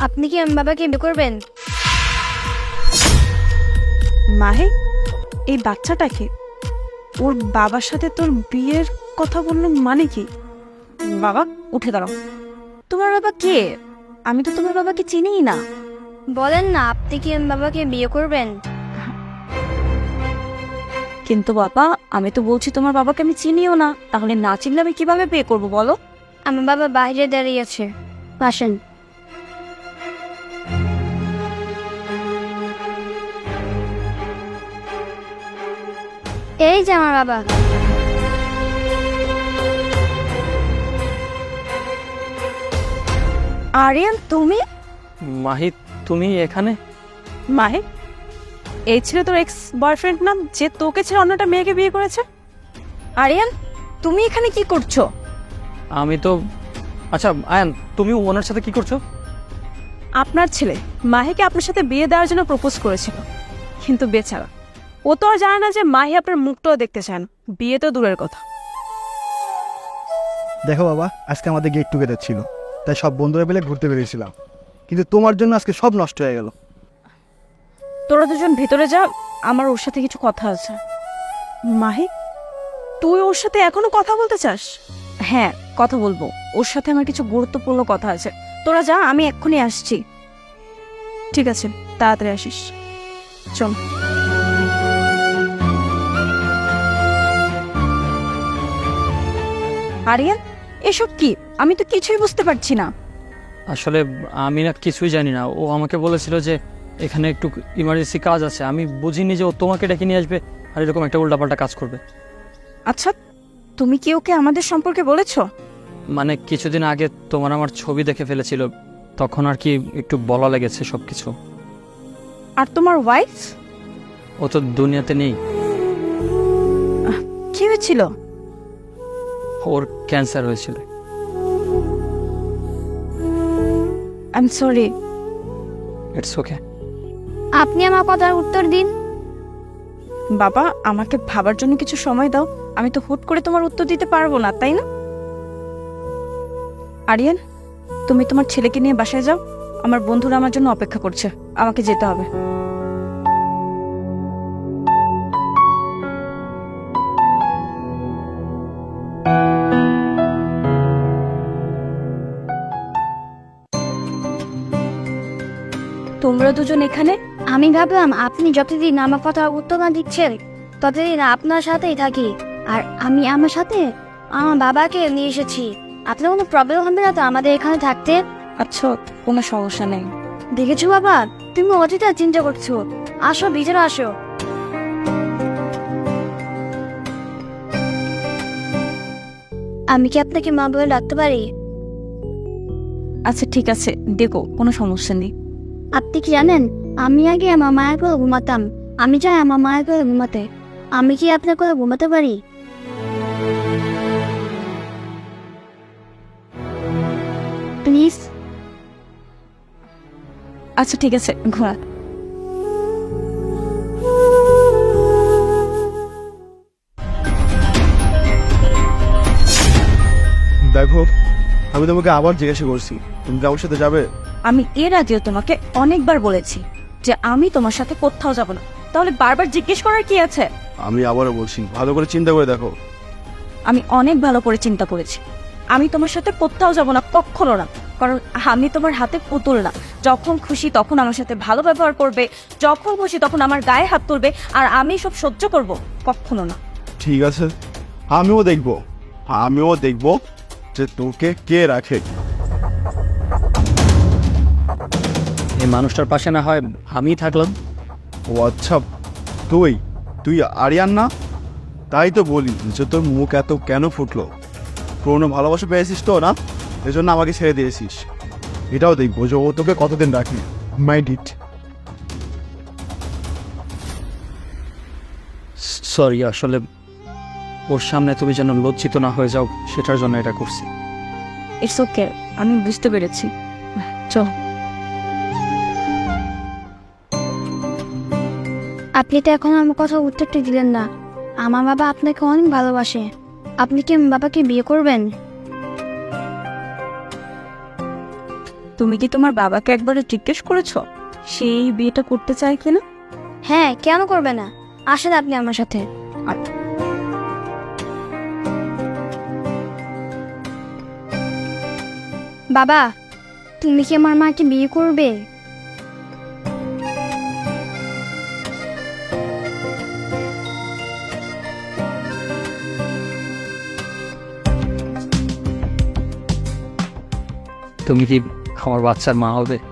আপনি কি আমার বাবাকে বিয়ে করবেন? মাহে, এই বাচ্চাটাকে ওর বাবার সাথে তোর বিয়ের কথা বললো মানে কি? বাবা উঠে দাঁড়াও। তোমার বাবা কে? আমি তো তোমার বাবাকে চিনিই না। বলেন না, আপনি কি আমার বাবাকে বিয়ে করবেন? কিন্তু বাবা, আমি তো বলছি তোমার বাবাকে আমি চিনিও না, তাহলে না চিনলে আমি কিভাবে বিয়ে করবো বলো? আমার বাবা বাইরে দাঁড়িয়ে আছে, আসেন। এই যে আমার বাবা। আরিয়ান, তুমি? মাহি, তুমি এখানে? মাহে, এই ছিল তোর এক্স বয়ফ্রেন্ড না, যে তোকে ছেড়ে অন্যটা মেয়েকে বিয়ে করেছে? আরিয়ান, তুমি এখানে কি করছো? আমি তো আচ্ছা আয়ান, তুমি ওনার সাথে কি করছো? আপনার ছেলে মাহিকে আপনার সাথে বিয়ে দেওয়ার জন্য প্রপোজ করেছিল, কিন্তু বেচারা ও তো আর জানে না যে মাহি আপনার মুখটাও দেখতে চান, বিয়ে তো দূরের কথা। দেখো বাবা, আজকে আমাদের গেট টুগেদার ছিল, তাই সব বন্ধুরা মিলে ঘুরতে বেরিয়েছিলাম, কিন্তু তোমার জন্য আজকে সব নষ্ট হয়ে গেল। তোরা দুজন ভেতরে যা, আমার ওর সাথে কিছু কথা আছে। মাহি, তুই ওর সাথে এখনো কথা বলতে চাস? হ্যাঁ, কথা বলবো, ওর সাথে আমার কিছু গুরুত্বপূর্ণ কথা আছে। তোরা যা, আমি এক্ষুনি আসছি। ঠিক আছে, তাড়াতাড়ি আসিস। চল। আরিয়ান, এসব কি? আমি তো কিছুই বুঝতে পারছি না। আসলে আমি না কিছুই জানি না। ও আমাকে বলেছিল যে এখানে একটু ইমার্জেন্সি কাজ আছে, আমি বুঝিনি যে ও তোমাকে ডেকে নিয়ে আসবে আর এরকম একটা উল্টাপাল্টা কাজ করবে। আচ্ছা, তুমি কি ওকে আমাদের সম্পর্কে বলেছো? মানে কিছুদিন আগে তোমার আমার ছবি দেখে ফেলেছিল, তখন আর কি একটু বলা লেগেছে সব কিছু। আর তোমার ওয়াইফ? ও তো দুনিয়াতে নেই। কি হয়েছিল? ওর ক্যান্সার হয়েছিল। I am sorry. It's okay. আপনি আমার কথার উত্তর দিন। বাবা, আমাকে ভাবার জন্য কিছু সময় দাও, আমি তো হুট করে তোমার উত্তর দিতে পারবো না, তাই না? আরিয়ান, তুমি তোমার ছেলেকে নিয়ে বাসায় যাও, আমার বন্ধুরা আমার জন্য অপেক্ষা করছে, আমাকে যেতে হবে। তোমরা দুজন এখানে? আমি ভাবলাম আপনি যতদিন আমার কথার উত্তর না দিচ্ছেন ততদিন আপনার সাথেই থাকি, আর আমি আমার সাথে আমার বাবাকে নিয়ে এসেছি। আপনার কোনো প্রবলেম হবে না তো আমাদের এখানে থাকতে? আচ্ছা, কোনো সমস্যা নেই। দেখেছো বাবা, তুমি অতীতে চিন্তা করছো। আসো, ভিতরে আসো। আমি কি আপনাকে মা বলে ডাকতে পারি? আচ্ছা ঠিক আছে, দেখো, কোনো সমস্যা নেই। আপনি কি জানেন, আমি আগে আমার মায়ের করে ঘুমাতাম। আমি চাই আমার মায়ের করে ঘুমাতে। আমি কি আপনার করে ঘুমাতে পারি? প্লিজ। আচ্ছা ঠিক আছে, ঘোরা। দেখো, আমি তোমাকে আবার জিজ্ঞাসা করছি, তুমি কি আমার সাথে যাবে? আমি এর আগেও তোমাকে অনেকবার বলেছি যে আমি তোমার সাথে কোথাও যাব না, তাহলে বারবার জিজ্ঞেস করার কি আছে? আমি আবারও বলছি, ভালো করে চিন্তা করে দেখো। আমি অনেক ভালো করে চিন্তা করেছি, আমি তোমার সাথে কোথাও যাব না, কখনো না। কারণ আমি তোমার হাতে পুতুল না, যখন খুশি তখন আমার সাথে ভালো ব্যবহার করবে, যখন খুশি তখন আমার গায়ে হাত তুলবে, আর আমি সব সহ্য করব, কখনো না। ঠিক আছে, আমিও দেখবো যে তোকে কে রাখে। এই মানুষটার পাশে না হয় আমিই থাকলাম। ও আচ্ছা, তুই আরিয়ান না? তাই তো বলি যে তোর মুখ এত কেন ফুটলো। পুরোনো ভালোবাসা পেয়েছিস তো না, এজন্য আমাকে ছেড়ে দিয়েছিস। এটাও দেখবো যে ও তোকে কতদিন রাখি। Mind it. সরি, আসলে ওর সামনে তুমি যেন লজ্জিত না হয়ে যাও সেটার জন্য এটা করছি। ইটস ওকে, আমি বুঝতে পেরেছি। চল। আপনি তো এখন আমার কথা উত্তরটা দিলেন না। আমার বাবা আপনাকে অনেক ভালোবাসে। আপনি কি আমার বাবাকে বিয়ে করবেন? তুমি কি তোমার বাবাকে একবারে জিজ্ঞেস করেছো সেই বিয়েটা করতে চায় কিনা? হ্যাঁ, কেন করবে না? আসেন আপনি আমার সাথে। বাবা, তুমি কি আমার মাকে বিয়ে করবে? তুমি কি আমার বাচ্চার মা হবে?